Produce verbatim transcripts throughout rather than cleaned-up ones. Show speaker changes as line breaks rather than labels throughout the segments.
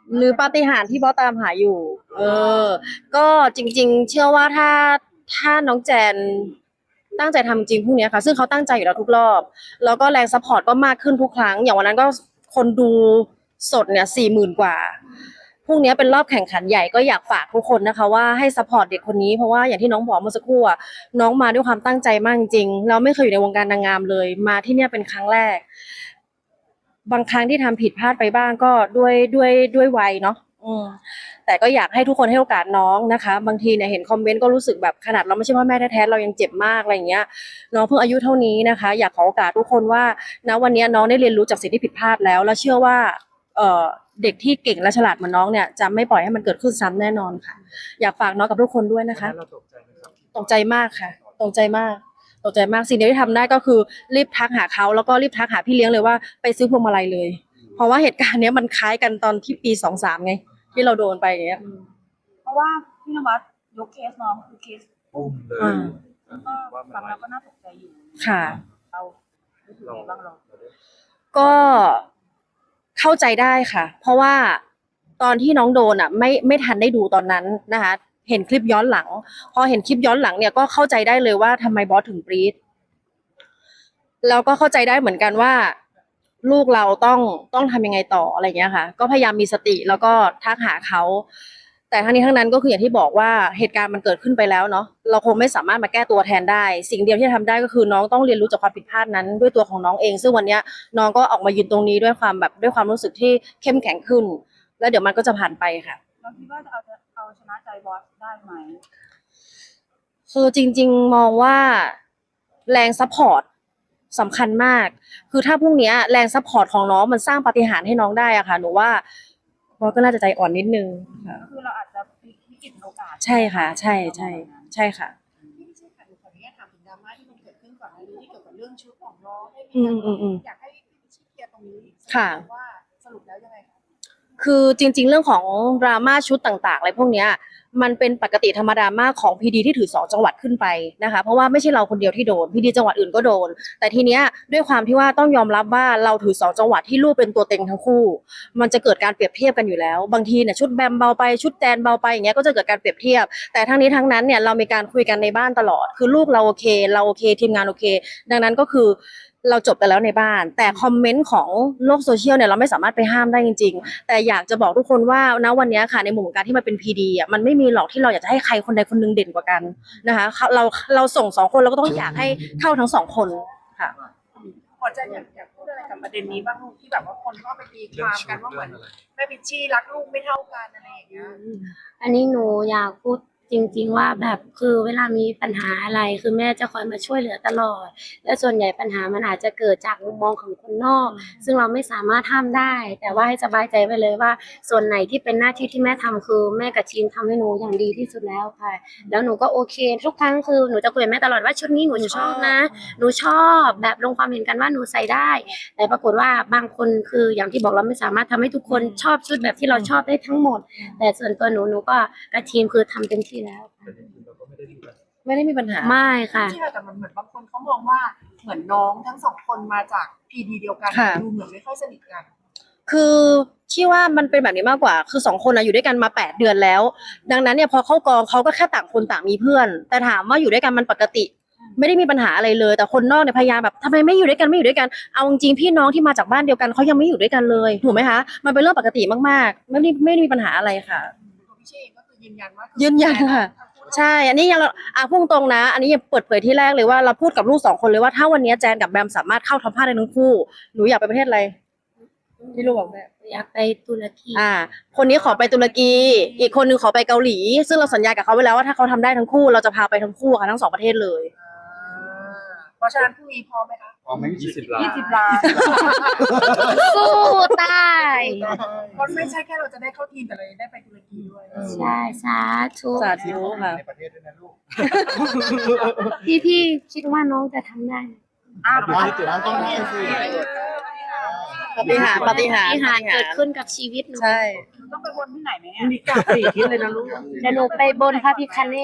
หรือปาฏิหาริย์ที่บอสตามหาอยู่ เออ ก็จริงๆเชื่อว่าถ้าถ้าน้องแจนตั้งใจทำจริงพรุ่งนี้ค่ะซึ่งเขาตั้งใจอยู่แล้วทุกรอบแล้วก็แรงซัพพอร์ตก็มากขึ้นทุกครั้งอย่างวันนั้นก็คนดูสดเนี่ยสี่หมื่นกว่าพรุ่งนี้เป็นรอบแข่งขันใหญ่ก็อยากฝากทุกคนนะคะว่าให้ซัพพอร์ตเด็กคนนี้เพราะว่าอย่างที่น้องบอกเมื่อสักครู่อะน้องมาด้วยความตั้งใจมากจริงเราไม่เคยอยู่ในวงการนางงามเลยมาที่เนี่ยเป็นครั้งแรก บางครั้งที่ทำผิดพลาดไปบ้างก็ด้วยด้วยด้วยวัยเนาะอืมแต่ก็อยากให้ทุกคนให้โอกาสน้องนะคะบางทีเนี่ยเห็นคอมเมนต์ก็รู้สึกแบบขนาดเราไม่ใช่พ่อแม่แท้ๆเรายังเจ็บมากอะไรอย่างเงี้ยน้องเพิ่งอายุเท่านี้นะคะอยากขอโอกาสทุกคนว่าณวันนี้น้องได้เรียนรู้จากสิ่งที่ผิดพลาดแล้วแล้วเชื่อว่าเอ่อเด็กที่เก่งและฉลาดเหมือนน้องเนี่ยจะไม่ปล่อยให้มันเกิดขึ้นซ้ำแน่นอนค่ะอยากฝากน้องกับทุกคนด้วยนะคะ
เราตกใจไหมครับ
ตกใจมากค่ะตกใจมากตกใจมากสิ่งเดียวที่ทำได้ก็คือรีบทักหาเขาแล้วก็รีบทักหาพี่เลี้ยงเลยว่าไปซื้อพวงมาลัยเลยเพราะว่าเหตุการณ์เนี้ยมันคล้ายกันตอนที่ปีสองสามไงที่เราโดนไปอย่างเงี้ย
เพราะว่าพี่นวัดยกเคสน้องคือเคส
ปุ้มเลย
อ่า
ก็ฟังแล้วก็น่าตกใจอยู่
ค่ะ
เรารู้สึกไงบ้างเรา
ก็เข้าใจได้ค่ะ เพราะว่าตอนที่น้องโดนอ่ะไม่ไม่ทันได้ดูตอนนั้นนะคะเห็นคลิปย้อนหลังพอเห็นคลิปย้อนหลังเนี่ยก็เข้าใจได้เลยว่าทำไมบอสถึงปรี๊ดแล้วก็เข้าใจได้เหมือนกันว่าลูกเราต้องต้องทำยังไงต่ออะไรเงี้ยค่ะก็พยายามมีสติแล้วก็ทักหาเขาแต่ทั้งนี้ทั้งนั้นก็คืออย่างที่บอกว่าเหตุการณ์มันเกิดขึ้นไปแล้วเนาะเราคงไม่สามารถมาแก้ตัวแทนได้สิ่งเดียวที่ทำได้ก็คือน้องต้องเรียนรู้จากความผิดพลาดนั้นด้วยตัวของน้องเองซึ่งวันเนี้ยน้องก็ออกมายืนตรงนี้ด้วยความแบบด้วยความรู้สึกที่เข้มแข็งขึ้นแล้วเดี๋ยวมันก็จะผ่านไปค่ะ
เราคิดว่าจะเอาจะเอาชนะใจบอสได้ไหม
คือจริงๆมองว่าแรงซัพพอร์ตสำคัญมาก คือถ้าพรุ่งนี้แรงซัพพอร์ตของน้องมันสร้างปาฏิหาริย์ให้น้องได้อะค่ะหนูว่าบอสก็น่าจะใจอ่อนนิดนึงค่ะ
คือเราอาจจะพลิกวิกฤตเป็นโอกาส
ใช่ค่ะ ใช่ใช่ใช่ค่ะ
พี่ไม่ใช่ค่ะหนูขออนุญาตถามถึงดราม่าที่มันเกิดขึ้นก่อนหน้านี้ที่เกี่ยวกับเรื่องชุดของน้องได้มี
อื
การ
มอืมอืม
อยากให้พี่พิชชี่เคลียร์ตรงนี้
ค่ะ
ว่าสรุปแล้วยังไงคะ
คือจริงๆเรื่องของดราม่าชุดต่างๆอะไรพวกเนี้ยมันเป็นปกติธรรมดามากของพีดีที่ถือสองจังหวัดขึ้นไปนะคะเพราะว่าไม่ใช่เราคนเดียวที่โดนพีดีจังหวัดอื่นก็โดนแต่ทีเนี้ยด้วยความที่ว่าต้องยอมรับว่าเราถือสองจังหวัดที่ลูกเป็นตัวเต็งทั้งคู่มันจะเกิดการเปรียบเทียบกันอยู่แล้วบางทีเนี่ยชุดแบมเบาไปชุดแจนเบาไปอย่างเงี้ยก็จะเกิดการเปรียบเทียบแต่ทั้งนี้ทั้งนั้นเนี่ยเรามีการคุยกันในบ้านตลอดคือลูกเราโอเคเราโอเคทีมงานโอเคดังนั้นก็คือเราจบกันแล้วในบ้านแต่คอมเมนต์ของโลกโซเชียลเนี่ยเราไม่สามารถไปห้ามได้จริงๆแต่อยากจะบอกทุกคนว่าณวันนี้ค่ะในมุมของการที่มันเป็นพีดีอ่ะมันไม่มีหรอกที่เราอยากจะให้ใครคนใดคนหนึงเด่นกว่ากันนะคะเราเราส่งสองคนเราก็ต้องอยากให้เท่าทั้งสองคนค่ะ
พอจะอยากอยากพูดอะไรกับประเด็นนี้บ้างลูกที่แบบว่าคนก็ไปตีความกันว่าเหมือนแม่พิชชี่รักลูกไม่เท่ากันอะไรอย่างเงี้ย
อันนี้หนูอยากพูดจริงๆว่าแบบคือเวลามีปัญหาอะไรคือแม่จะคอยมาช่วยเหลือตลอดและส่วนใหญ่ปัญหามันอาจจะเกิดจากมุมมองของคนนอกซึ่งเราไม่สามารถห้ามได้แต่ว่าให้สบายใจไปเลยว่าส่วนไหนที่เป็นหน้าที่ที่แม่ทำคือแม่กับทีมทำให้หนูอย่างดีที่สุดแล้วค่ะแล้วหนูก็โอเคทุกครั้งคือหนูจะคุยกับแม่ตลอดว่าชุดนี้หนูชอบนะหนูชอบแบบลงความเห็นกันว่าหนูใส่ได้แต่ปรากฏว่าบางคนคืออย่างที่บอกเราไม่สามารถทำให้ทุกคนชอบชุดแบบที่เราชอบได้ทั้งหมดแต่ส่วนตัวหนูหนูก็กับทีมคือทำเต็มที่แล้ว
ไม่ได้มีปัญหา
ไม่ค่ะ
ที่แต่มันเหมือนบางคนเขามองว่าเหมือนน้องทั้งสองคนมาจากพีดีเดียวกันดูเหมือนไม่ค่อยสนิทกัน
คือที่ว่ามันเป็นแบบนี้มากกว่าคือสองคนนะอยู่ด้วยกันมาแปดเดือนแล้วดังนั้นเนี่ยพอเข้ากองเขาก็แค่ต่างคนต่างมีเพื่อนแต่ถามว่าอยู่ด้วยกันมันปกติไม่ได้มีปัญหาอะไรเลยแต่คนนอกเนี่ยพยายามแบบทำไมไม่อยู่ด้วยกันไม่อยู่ด้วยกันเอาจริงๆพี่น้องที่มาจากบ้านเดียวกันเขายังไม่อยู่ด้วยกันเลยถูกไหมคะมันเป็นเรื่องปกติมากๆไม่ได้ไม่ได้มีปัญหาอะไรค่ะ
ตัวพี่เชษก็คือยืนยันว่า
ยืนยันค่ะใช่อันนี้ยังอ่ะพุ่งตรงนะอันนี้ยังเปิดเผยที่แรกเลยว่าเราพูดกับลูกสองคนเลยว่าถ้าวันนี้แจนกับแบมสามารถเข้าท็อปห้าได้ทั้งคู่หนูอยากไปประเทศอะไรที่ลูกบอกแม่
อยากไปตุรกี
อ่าคนนี้ขอไปตุรกีอีกคนนึงขอไปเกาหลีซึ่งเราสัญญากับเขาไว้แล้วว่าถ้าเขาทำได้ทั้งคู่เราจะพาไปทั้งคู่ค่ะทั้งสองประเทศเลย
เพราะฉะนั้นพรุ่งนี้พร้อมไหมคะ
พร้อมไหมยี่สิบล้าน
ยี่สิบล้าน
สู้ตาย
เพราะไม่ใช่แค่เราจะได้เข้าทีมแต่เรายังได้ไปตุรกีด้วย
ใช่สาธุ
สาธุค่ะ
ในประเทศด้วยนะลูก
พี่พี่คิดว่าน้องจะทำได้
อ่า
ปาฏิหาริย์ต้องได้สิ
ปฏิหารปฏิหาร
ปฏิหารเกิดขึ้นกับชีวิตหนู
ใช่
ต้องไปบนที่ไหนไหมเนี่ย
มีกาสี่ทิศเลยนะลูก
เดี๋ยวหนูไปบนพระพิฆเนศ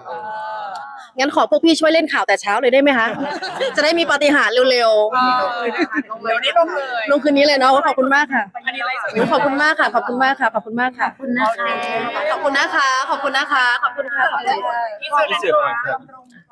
งั้นขอพวกพี่ช่วยเล่นข่าวแต่เช้าเลยได้ไหมคะ จะได้มีปาฏิหาริย์เร็ว
เออนะคะลงเลยวันนี้ลงเลย
ๆลงคืนนี้เลยเนาะขอบคุณมากค่ะ
อันนี้ไลฟ์สด
โอ้ยขอบคุณมากค่ะ ขอบคุณมากค่ะ ขอบคุณมากค่ะ
ขอบคุณนะคะ
ขอบคุณนะคะ ขอบคุณนะคะ ขอบคุณค่ะ
ที่สุด
ที่
ใน
เสีย
ตัว
บครับ